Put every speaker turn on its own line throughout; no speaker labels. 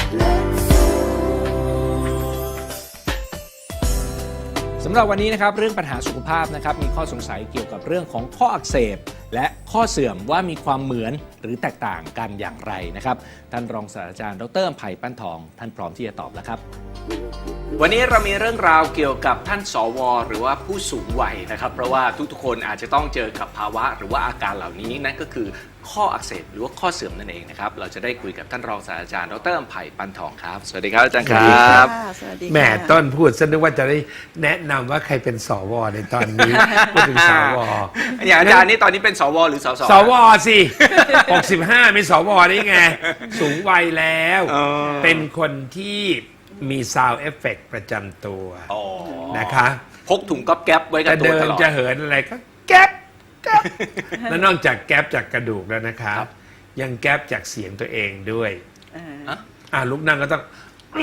สำหรับวันนี้นะครับเรื่องปัญหาสุขภาพนะครับมีข้อสงสัยเกี่ยวกับเรื่องของข้ออักเสบและข้อเสื่อมว่ามีความเหมือนหรือแตกต่างกันอย่างไรนะครับท่านรองศาสตราจารย์ดร.อำไพปั้นทองท่านพร้อมที่จะตอบแล้วครับวันนี้เรามีเรื่องราวเกี่ยวกับท่านสวหรือว่าผู้สูงวัยนะครับเพราะว่าทุกๆคนอาจจะต้องเจอกับภาวะหรือว่าอาการเหล่านี้นั่นก็คือข้ออักเสบหรือว่าข้อเสื่อมนั่นเองนะครับเราจะได้คุยกับท่านรองศาสตราจารย์ดร.อำไพปั้นทองครับสวัสดีครับอาจารย์ครับ
แหมต้นพูดซะนึกว่าจะได้แนะนำว่าใครเป็นสวในตอนนี้พูดถึงสว
อย่างอาจารย์นี่ตอนนี้เป็นสวหรือสส
สวสิ65เป็นสวได้ไงสูงวัยแล้วเป็นคนที่มีซาวด์เอฟเฟกต์ประจำตัวนะคะ
พกถุงก๊อบแก๊บไว้กับตัวตลอด
จะเดินจะเหินอะไรก็แก๊บแล้วนอกจากแก๊บจากกระดูกแล้วนะครับยังแก๊บจากเสียงตัวเองด้วยลุกนั่งก็ต้อง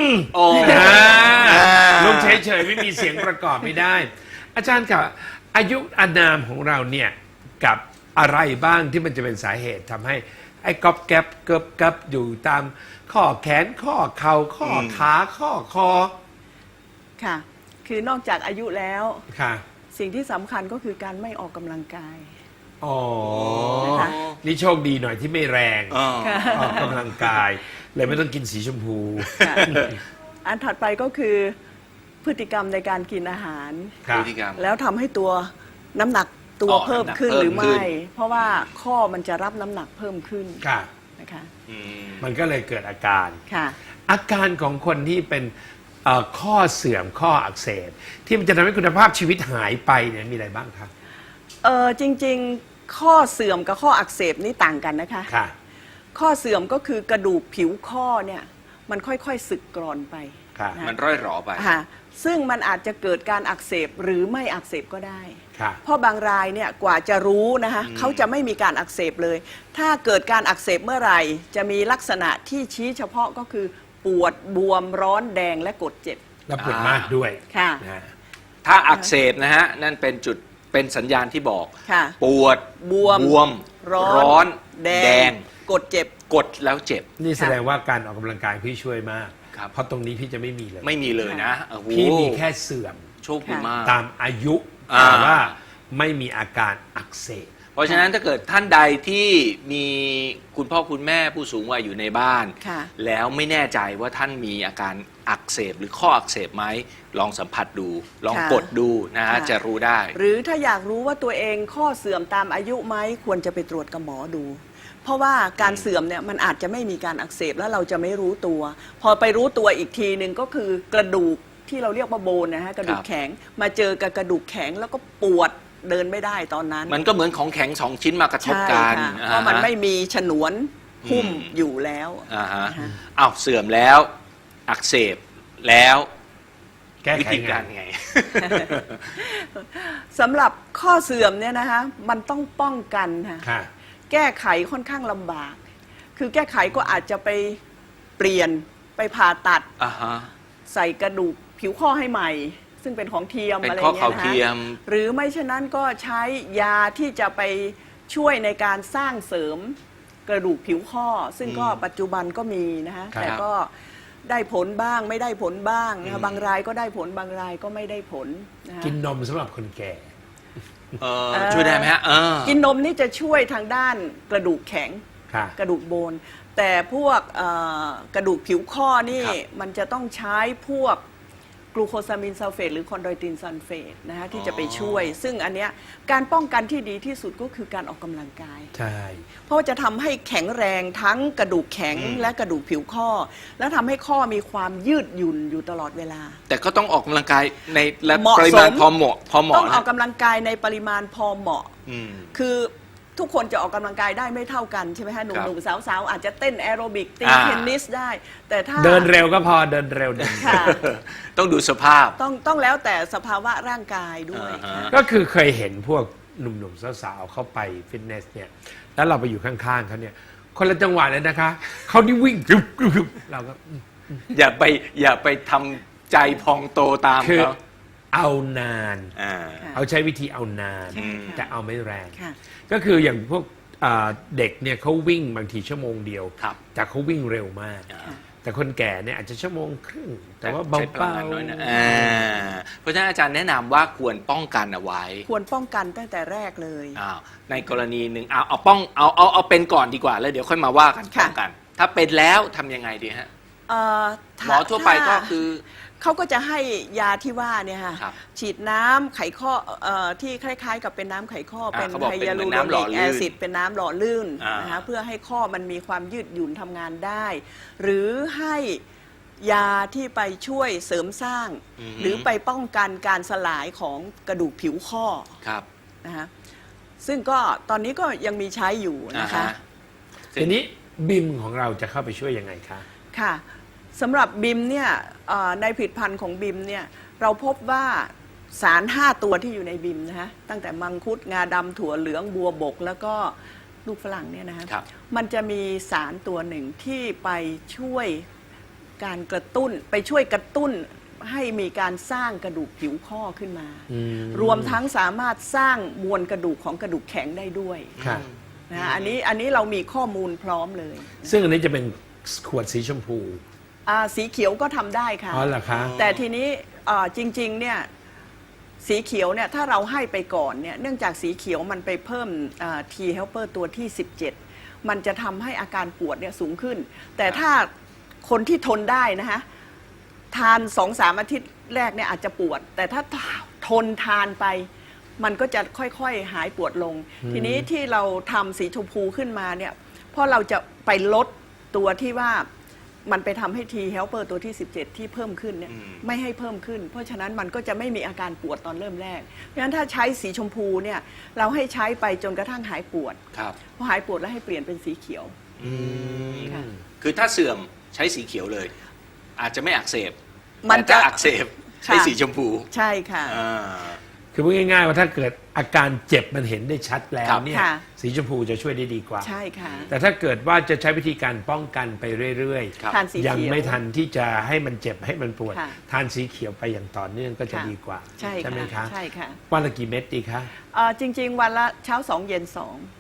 ลุกเฉยๆไม่มีเสียงประกอบไม่ได้ อาจารย์ครับอายุอานามของเราเนี่ยกับอะไรบ้างที่มันจะเป็นสาเหตุทำให้ไอ้ก๊อบแก๊บเกิบกับอยู่ตามข้อแขนข้อเข่าข้อขาข้อคอ
ค่ะคือนอกจากอายุแล้ว
ค่ะ
สิ่งที่สำคัญก็คือการไม่ออกกำลังกาย
นี่โชคดีหน่อยที่ไม่แรงออกกำลังกายเลยไม่ต้องกินสีชมพู
อันถัดไปก็คือพฤติกรรมในการกินอาหารแล้วทำให้ตัวน้ำหนักตัวเพิ่มขึ้นหรือไม่เพราะว่าข้อมันจะรับน้ำหนักเพิ่มขึ้นนะคะ
มันก็เลยเกิดอาการ
ค่ะ
อาการของคนที่เป็นข้อเสื่อมข้ออักเสบที่มันจะทำให้คุณภาพชีวิตหายไปเนี่ยมีอะไรบ้างครับ
จริงๆข้อเสื่อมกับข้ออักเสบนี่ต่างกันนะคะข้อเสื่อมก็คือกระดูกผิวข้อเนี่ยมันค่อยๆสึกกร่อนไป
มันร่อยหรอไป
ซึ่งมันอาจจะเกิดการอักเสบหรือไม่อักเสบก็ได้เพราะบางรายเนี่ยกว่าจะรู้นะคะเขาจะไม่มีการอักเสบเลย ถ้าเกิดการอักเสบเมื่อไหร่จะมีลักษณะที่ชี้เฉพาะก็คือปวดบวมร้อนแดงและกดเจ็บ
และปวดมากด้วย
ค่ะ
ถ้าอักเสบนะฮะนั่นเป็นจุดเป็นสัญญาณที่บอกปวดบวมร้อนแดง
กดเจ็บ
กดแล้วเจ็บ
นี่แสดงว่าการออกกำลังกายพี่ช่วยมากเพราะตรงนี้พี่จะไม่มีเลย
ไม่มีเลยนะ
พี่มีแค่เสื่อม
โชคดีมาก
ตามอายุแต่ว่าไม่มีอาการอักเสบ
เพราะฉะนั้นถ้าเกิดท่านใดที่มีคุณพ่อคุณแม่ผู้สูงวัยอยู่ในบ้านแล้วไม่แน่ใจว่าท่านมีอาการอักเสบหรือข้ออักเสบไหมลองสัมผัสดูลองกดดูนะฮะจะรู้ได้
หรือถ้าอยากรู้ว่าตัวเองข้อเสื่อมตามอายุไหมควรจะไปตรวจกับหมอดูเพราะว่าการเสื่อมเนี่ยมันอาจจะไม่มีการอักเสบแล้วเราจะไม่รู้ตัวพอไปรู้ตัวอีกทีหนึ่งก็คือกระดูกที่เราเรียกว่าโบนนะฮะกระดูกแข็งมาเจอกับกระดูกแข็งแล้วก็ปวดเดินไม่ได้ตอนนั้น
มันก็เหมือนของแข็งสองชิ้นมากระทบกัน
เพราะมันไม่มีฉนวนหุ้มอยู่แล้ว
เสื่อมแล้วอักเสบแล้ว
วิธีการไง
สำหรับข้อเสื่อมเนี่ยนะคะมันต้องป้องกันค่ะแก้ไขค่อนข้างลำบากคือแก้ไขก็อาจจะไปเปลี่ยนไปผ่าตัดใส่กระดูกผิวข้อให้ใหม่ซึ่งเป็นของเทียมอะไรเงี้ยนะคะหรือไม่เช่นนั้นก็ใช้ยาที่จะไปช่วยในการสร้างเสริมกระดูกผิวข้อซึ่งก็ปัจจุบันก็มีนะคะแต่ก็ได้ผลบ้างไม่ได้ผลบ้างนะคะบางรายก็ได้ผลบางรายก็ไม่ได้ผลนะคะ
กินนมสำหรับคนแก่
ช่วยได้ไหมฮะ
กินนมนี่จะช่วยทางด้านกระดูกแข็งกระดูกโบนแต่พวกกระดูกผิวข้อนี่มันจะต้องใช้พวกกลูโคซามินซัลเฟตหรือคอนโดรตินซัลเฟตนะคะที่จะไปช่วยซึ่งอันเนี้ยการป้องกันที่ดีที่สุดก็คือการออกกำลังกาย
ใช่
เพราะจะทำให้แข็งแรงทั้งกระดูกแข็งและกระดูกผิวข้อแล้วทำให้ข้อมีความยืดหยุ่นอยู่ตลอดเวลา
แต่ก็ต้องออกกำลังกายในปริมาณพอเหมาะ
ต้องออกกำลังกายในปริมาณพอเหมาะคือทุกคนจะออกกำลังกายได้ไม่เท่ากันใช่ไหมฮะหนุ่มๆสาวๆอาจจะเต้นแอโรบิกตีเทนนิสได้แต่ถ้า
เดินเร็วก็พอเดินเร็ว
ต้องดูสภาพ
ต้องแล้วแต่สภาวะร่างกายด้วย
ก็คือเคยเห็นพวกหนุ่มๆสาวๆเข้าไปฟิตเนสเนี่ยแล้วเราไปอยู่ข้างๆเขาเนี่ยคนละจังหวะเลยนะคะเขานี่วิ่งเราก็
อย่าไปทำใจพองโตตามเขา
เอานานเอาใช้วิธีเอานานแต่เอาไม่แรงก็คืออย่างพวกเด็กเนี่ยเขาวิ่งบางทีชั่วโมงเดียวแต่เขาวิ่งเร็วมากแต่คนแก่เนี่ยอาจจะชั่วโมงครึ่งแต่ว่าเบา
ใช้พลังงานน้อยนะเพราะฉะนั้นอาจารย์แนะนำว่าควรป้องกันเอาไว้
ควรป้องกันตั้งแต่แรกเลย
ในกรณีหนึ่งเอาเป็นก่อนดีกว่าแล้วเดี๋ยวค่อยมาว่ากันป้องกัน ถ้าเป็นแล้วทำยังไงดีฮะ หมอทั่วไปก็คือ
เขาก็จะให้ยาที่ว่าเนี่ยค่ะ
ครับ
ฉีดน้ำไขข้อที่คล้ายๆ กับเป็นน้ำไขข้อเป็น
เขาบอก
ไฮ
เป็น
ยา
เหมื
ลู
อน
โร
น้ำหล่
นิ
อก
แอ
ลื่น
ซิดเป็นน้ำหล่อลื่น
อ่าน
นะคะเพื่อให้ข้อมันมีความยืดหยุ่นทำงานได้ หรือให้ยาที่ไปช่วยเสริมสร้าง หรือไปป้องกันการสลายของกระดูกผิวข้อ
ครับ
นะคะซึ่งก็ตอนนี้ก็ยังมีใช้อยู่นะคะ
ทีนี้บิมของเราจะเข้าไปช่วยยังไงคะ
ค่ะสำหรับบิมเนี่ยในผลิตภัณฑ์ของบิมเนี่ยเราพบว่าสาร 5 ตัวที่อยู่ในบิมนะคะตั้งแต่มังคุดงาดำถั่วเหลืองบัวบกแล้วก็ลูกฝรั่งเนี่ยนะคะ
ครับ
มันจะมีสารตัวหนึ่งที่ไปช่วยการกระตุ้นไปช่วยกระตุ้นให้มีการสร้างกระดูกผิวข้อขึ้นมา รวมทั้งสามารถสร้างมวลกระดูกของกระดูกแข็งได้ด้วย
ค่ะ
นะอันนี้เรามีข้อมูลพร้อมเลย
ซึ่งอันนี้จะเป็นขวดสีชมพู
สีเขียวก็ทำได้ค่ะ
อ๋อเหรอคะ
แต่ทีนี้จริงๆเนี่ยสีเขียวเนี่ยถ้าเราให้ไปก่อนเนี่ยเนื่องจากสีเขียวมันไปเพิ่มT helper ตัวที่ 17 มันจะทำให้อาการปวดเนี่ยสูงขึ้น แต่ถ้าคนที่ทนได้นะคะทาน 2-3 อาทิตย์แรกเนี่ยอาจจะปวด แต่ถ้าทนทานไป มันก็จะค่อยๆหายปวดลง ทีนี้ที่เราทำสีชมพูขึ้นมาเนี่ยเพราะเราจะไปลดตัวที่ว่ามันไปทำให้ T helper ตัวที่ 17 ที่เพิ่มขึ้นเนี่ยไม่ให้เพิ่มขึ้น เพราะฉะนั้นมันก็จะไม่มีอาการปวดตอนเริ่มแรก เพราะฉะนั้นถ้าใช้สีชมพูเนี่ยเราให้ใช้ไปจนกระทั่งหายปวด
ครับ
พอหายปวดแล้วให้เปลี่ยนเป็นสีเขียวค่ะ
คือถ้าเสื่อมใช้สีเขียวเลย อาจจะไม่อักเสบ
มันจะ
แต่ถ้าอักเสบใช้สีชมพู
ใช่ค่ะ
คือพูดง่ายๆว่าถ้าเกิดอาการเจ็บมันเห็นได้ชัดแล้ว
ครับ
เนี่ย
ค่ะ
สีชมพูจะช่วยได้ดีกว่า
ใช่ค่ะ
แต่ถ้าเกิดว่าจะใช้วิธีการป้องกันไปเรื่อย
ครับ
ทานสีเขียว
ยังไม่ทันที่จะให้มันเจ็บให้มันปวด
ค่ะ
ทานสีเขียวไปอย่างต่อเนื่องก็จะ
ค่ะ
ดีกว่า
ใช่
ไหม
ค่ะ
คะ
ใช่ค่ะ
วันละกี่เม็ดดีคะ
จริง ๆ วันละเช้า 2 เย็น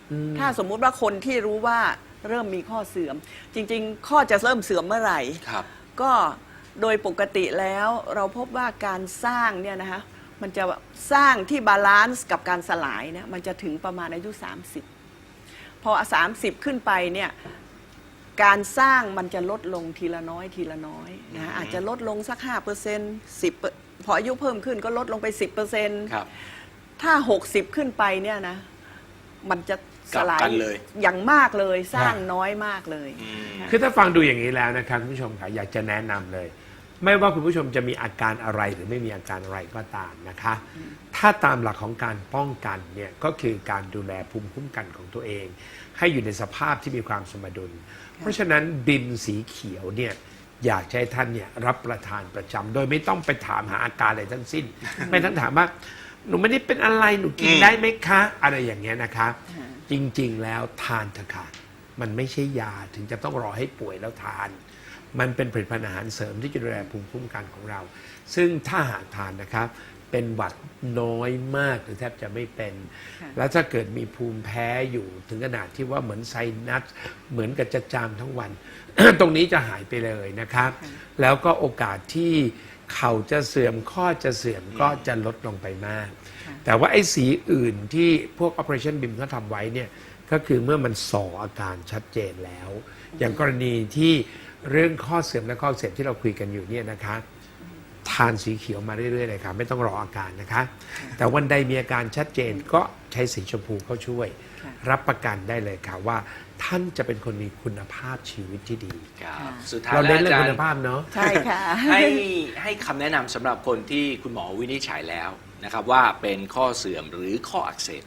2 ถ้าสมมุติว่าคนที่รู้ว่าเริ่มมีข้อเสื่อม จริง ๆ ข้อจะเริ่มเสื่อมเมื่อไหร่
ครับ
ก็โดยปกติแล้วเราพบว่าการสร้างเนี่ยนะคะมันจะสร้างที่บาลานซ์กับการสลายเนี่ยมันจะถึงประมาณอายุ 30 พอ 30 ขึ้นไปเนี่ยการสร้างมันจะลดลงทีละน้อยทีละน้อยนะอาจจะลดลงสัก 5% 10พออายุเพิ่มขึ้นก็ลดลงไป 10%
ครับ
ถ้า 60 ขึ้นไปเนี่ยนะมันจะสลาย
กลับกันเลย
อย่างมากเลยสร้างน้อยมากเลยค่ะ
คือถ้าฟังดูอย่างนี้แล้วนะครับคุณผู้ชมค่ะอยากจะแนะนำเลย ไม่ว่าคุณผู้ชมจะมีอาการอะไรหรือไม่มีอาการอะไรก็ตามนะคะ ถ้าตามหลักของการป้องกันเนี่ยก็คือการดูแลภูมิคุ้มกันของตัวเอง ให้อยู่ในสภาพที่มีความสมดุล เพราะฉะนั้นบิมสีเขียวเนี่ยอยากให้ท่านเนี่ยรับประทานประจำโดยไม่ต้องไปถามหาอาการอะไรทั้งสิ้น ไม่ต้องถามว่าหนูไม่ได้เป็นอะไรหนูกินได้ไหมคะ อะไรอย่างเงี้ยนะคะ จริงๆแล้วทานเถอะค่ะมันไม่ใช่ยาถึงจะต้องรอให้ป่วยแล้วทาน มันเป็นผลิตภัณฑ์อาหารเสริมที่จะดูแลภูมิคุ้มกันของเรา ซึ่งถ้าหากทานนะครับเป็นหวัดน้อยมากหรือแทบจะไม่เป็น
ค่ะ
แล้วถ้าเกิดมีภูมิแพ้อยู่ถึงขนาดที่ว่าเหมือนไซนัสเหมือนกับจะจามทั้งวัน ตรงนี้จะหายไปเลยนะครับ แล้วก็โอกาสที่เข่าจะเสื่อมข้อจะเสื่อมก็จะลดลงไปมาก แต่ว่าไอ้สีอื่นที่พวก Operation BIM เขาทำไว้เนี่ยก็คือเมื่อมันส่ออาการชัดเจนแล้ว อย่างกรณีที่เรื่องข้อเสื่อมและข้ออักเสบที่เราคุยกันอยู่เนี่ยนะคะทานสีเขียวมาเรื่อยๆเลยค่ะไม่ต้องรออาการนะคะ แต่วันใดมีอาการชัดเจนก็ใช้สีชมพูเข้าช่วย
ค่ะ
รับประกันได้เลยค่ะว่าท่านจะเป็นคนมีคุณภาพชีวิตที่ดี
ครับสุดท้าย
เรา
แล้ว
เน้นเรื่อง
อาจาร
คุณ
ย์
ภาพเนาะ
ใช่ค่ะ
ให้คำแนะนำสำหรับคนที่คุณหมอวินิจฉัยแล้วนะครับว่าเป็นข้อเสื่อมหรือข้ออักเสบ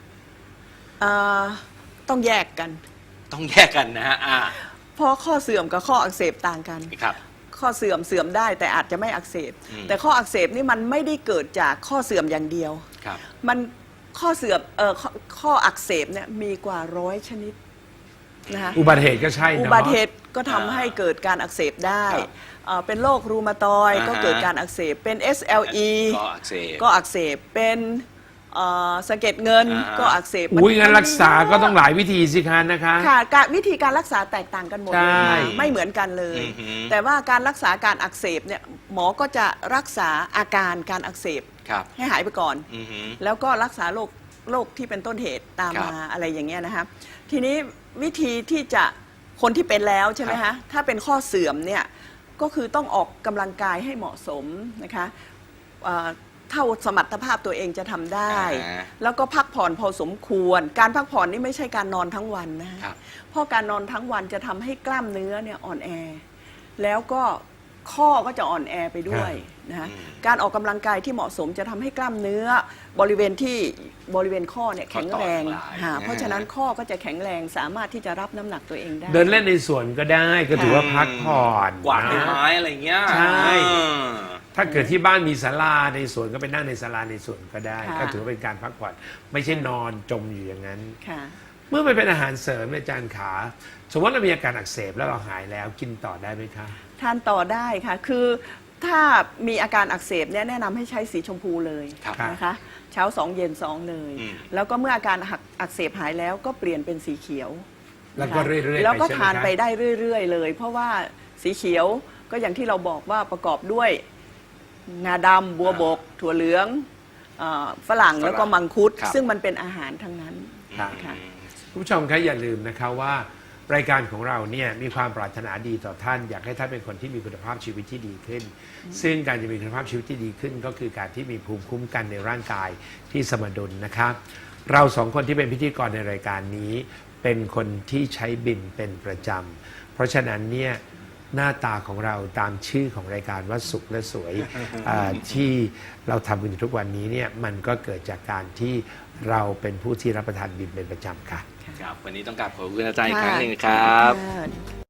ต้องแยกกัน
ต้องแยกกันนะฮะ
เพราะข้อเสื่อมกับข้ออักเสบต่างกัน
ครับ
ข้อเสื่อมได้แต่อาจจะไม่อักเสบ แต่ข้ออักเสบนี่มันไม่ได้เกิดจากข้อเสื่อมอย่างเดียว
ครับ
มันข้อเสื่อมข้ออักเสบเนี่ยมีกว่า100 ชนิดนะคะ
อุบัติเหตุก็ใช่เนาะ
อุบัติเหตุก็ทำให้เกิดการอักเสบได้
ครับ
เป็นโรครูมาตอยด์
อ่าฮะ
ก็เกิดการอักเสบเป็น SLE
ก็อักเสบ
ก็อักเสบเป็นสะเก็ดเงิน
อ่า
ก็อักเสบ
อุ้ยงั้น
มั
รักษาก็ต้องหลายวิธีสิคะนะคะ
ค่ะวิธีการรักษาแตกต่างกันหมดเลย
ใช่
ค่ะไม่เหมือนกันเลย
อือหือ
แต่ว่าการรักษาการอักเสบเนี่ยหมอก็จะรักษาอาการการอักเสบ
ครับ
ให้หายไปก่อน
อือหือ
แล้วก็รักษาโรคที่เป็นต้นเหตุตาม
ครับ
มาอะไรอย่างเงี้ยนะคะทีนี้วิธีที่จะคนที่เป็นแล้วใช่ไหม
ครั
คะ
บ
ถ้าเป็นข้อเสื่อมเนี่ยก็คือต้องออกกำลังกายให้เหมาะสมนะคะเท่าสมรรถภาพตัวเองจะทำได้ แล้วก็พักผ่อนพอสมควร การพักผ่อนนี่ไม่ใช่การนอนทั้งวันนะคะ
ครับ
เพราะการนอนทั้งวันจะทำให้กล้ามเนื้อเนี่ยอ่อนแอ แล้วก็ข้อก็จะอ่อนแอไปด้วยนะคะ
อืม
การออกกำลังกายที่เหมาะสมจะทำให้กล้ามเนื้อบริเวณข้อเนี่ยแข็งแรง
ข้อต่อทั้งหลาย
เพราะฉะนั้นข้อก็จะแข็งแรงสามารถที่จะรับน้ำหนักตัวเองได้
เดินเล่นในสวนก็ได้ก็ถือว่าพักผ่อน
กวาดใบ
นะ
ไม้อะไรเงี้ย
ใช่
เออ
ถ้าเกิดที่บ้านมีศาลาในสวนก็ไปนั่งในศาลาในสวนก็ได้
ค่ะ
ก็ถือว่าเป็นการพักผ่อนไม่ใช่นอนจมอยู่อย่างนั้น
ค่ะ
เมื่อมันเป็นอาหารเสริมอาจารย์ขาสมมติเรามีอาการอักเสบแล้วเราหายแล้วกินต่อได้ไหมคะ
ทานต่อได้ค่ะ คือถ้ามีอาการอักเสบเนี่ยแนะนำให้ใช้สีชมพูเลย
ครับ
นะคะเช้า2เย็น2เลย
อืม
แล้วก็เมื่ออาการอักเสบหายแล้วก็เปลี่ยนเป็นสีเขียว
แล้วก็
นะคะ
เรื่อยๆ
แล้วก็
ไปใช่ไหม
ทาน
คะ
ไปได้เรื่อยๆเลย เพราะว่าสีเขียวก็อย่างที่เราบอกว่าประกอบด้วยงาดำบัวบก ถั่วเหลืองฝรั่งแล้วก็มังคุด
ครับ
ซึ่งมันเป็นอาหารทั้งนั้น
ครับ
ค่ะ
คุณผู้ชมคะอย่าลืมนะคะว่ารายการของเราเนี่ยมีความปรารถนาดีต่อท่าน อยากให้ท่านเป็นคนที่มีคุณภาพชีวิตที่ดีขึ้น ซึ่งการจะมีคุณภาพชีวิตที่ดีขึ้น ก็คือการที่มีภูมิคุ้มกันในร่างกายที่สมดุลนะคะเราสองคนที่เป็นพิธีกรในรายการนี้เป็นคนที่ใช้บิมเป็นประจำเพราะฉะนั้นเนี่ยหน้าตาของเราตามชื่อของรายการว่าสุขและสวย ที่เราทำกันอยู่ทุกวันนี้เนี่ยมันก็เกิดจากการที่เราเป็นผู้ที่รับประทานบิมเป็นประจำค่ะ
ครับ วันนี้ต้องกราบขอบคุณอาจารย์อีกครั้งหนึ่งครับ
ค่ะ